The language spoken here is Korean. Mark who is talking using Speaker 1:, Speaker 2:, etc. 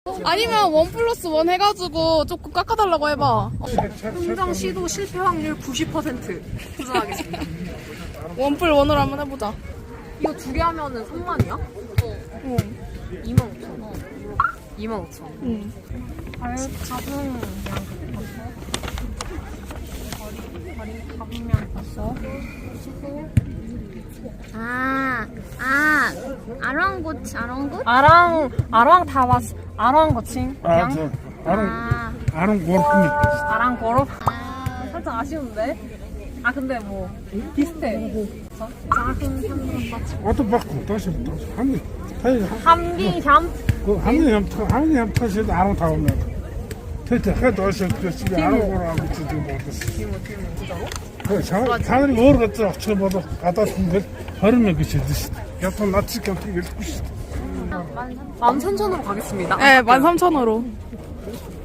Speaker 1: 아니면 1+1 해가지고 조금 깎아달라고 해봐.
Speaker 2: 흥정 시도 실패 확률 90% 도전하겠습니다.
Speaker 1: 1+1으로 한번 해보자.
Speaker 2: 이거 두 개 하면은 3만이야?
Speaker 1: 응.
Speaker 2: 25,000원. 25,000원.
Speaker 1: 응.
Speaker 2: 발가붕 발가붕면 봤어?
Speaker 3: 아랑곳?
Speaker 2: 아랑 다 왔어. 아랑 거칭.
Speaker 4: 저 아는 고르니.
Speaker 2: 아랑 걸어. 살짝 아쉬운데. 아 근데 뭐 비슷해. 작은 현금 같이.
Speaker 4: 어떤 바꾸 다시 한개
Speaker 2: 한비향.
Speaker 4: 한개 다시 아는 다 오면. 대체 해도 어서 그 집에 아는 고르고 지금 먹었어. 그 자들이 모르겠어. 저보다 갖다 준데 버리면 그치 드시. 약간 낯이 깜짝
Speaker 2: 13,000원으로 가겠습니다.
Speaker 1: 네, 13,000원으로.